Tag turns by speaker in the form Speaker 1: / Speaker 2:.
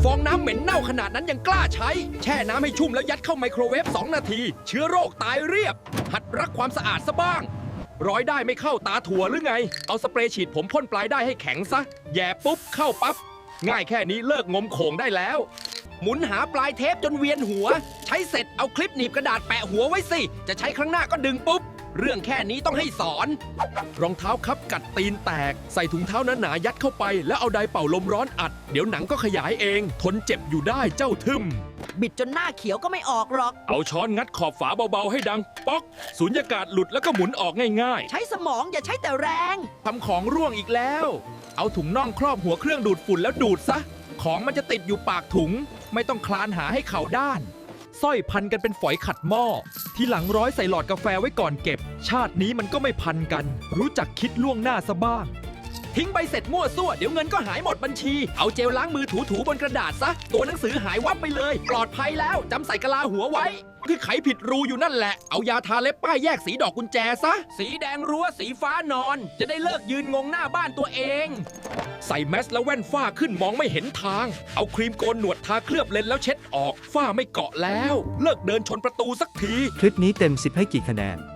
Speaker 1: ฟองน้ำเหม็นเน่าขนาดนั้นยังกล้าใช้ แช่น้ำให้ชุ่มแล้วยัดเข้าไมโครเวฟ2 นาที เชื้อโรคตายเรียบ หัดรักความสะอาดซะบ้างร้อยได้ไม่เข้าตาถั่วหรือไง เอาสเปรย์ฉีดผมพ่นปลายได้ให้แข็งซะแย่ปุ๊บเข้าปั๊บง่ายแค่นี้เลิกงมโขงได้แล้ว หมุนหาปลายเทปจนเวียนหัว ใช้เสร็จเอาคลิปหนีบกระดาษแปะหัวไว้สิจะใช้ครั้งหน้าก็ดึงปุ๊บเรื่องแค่นี้ต้องให้สอน รองเท้าคับกัดตีนแตกใส่ถุงเท้าหนาๆยัดเข้าไปแล้วเอาไดร์เป่าลมร้อนอัดเดี๋ยวหนังก็ขยายเองทนเจ็บอยู่ได้เจ้าทึม
Speaker 2: บิดจนหน้าเขียวก็ไม่ออกหรอก
Speaker 1: เอาช้อนงัดขอบฝาเบาๆให้ดังป๊อกสุญญากาศหลุดแล้วก็หมุนออกง่าย
Speaker 2: ใช้สมองอย่าใช้แต่แรง
Speaker 1: ๆทำของร่วงอีกแล้ว เอาถุงน่องครอบหัวเครื่องดูดฝุ่นแล้วดูดซะของมันจะติดอยู่ปากถุงไม่ต้องคลานหาให้เข่าด้านสร้อยพันกันเป็นฝอยขัดหม้อทีหลังร้อยใส่หลอดกาแฟไว้ก่อนเก็บ ชาตินี้มันก็ไม่พันกัน รู้จักคิดล่วงหน้าซะบ้าง ทิ้งใบเสร็จมั่วซั่วเดี๋ยวเงินก็หายหมดบัญชี เอาเจลล้างมือถูๆบนกระดาษซะตัวหนังสือหายวับไปเลย ปลอดภัยแล้วจำใส่กะลาหัวไว้ที่ไขผิดรูอยู่นั่นแหละเอายาทาเล็บป้ายแยกสีดอกกุญแจซะสีแดงรั้วสีฟ้านอน จะได้เลิกยืนงงหน้าบ้านตัวเอง ใส่แมสและแว่นฝ้าขึ้นมองไม่เห็นทาง เอาครีมโกนหนวดทาเคลือบเลนแล้วเช็ดออกฝ้าไม่เกาะแล้ว เลิกเดินชนประตูสักที
Speaker 3: คลิปนี้เต็ม 10 ให้กี่คะแนน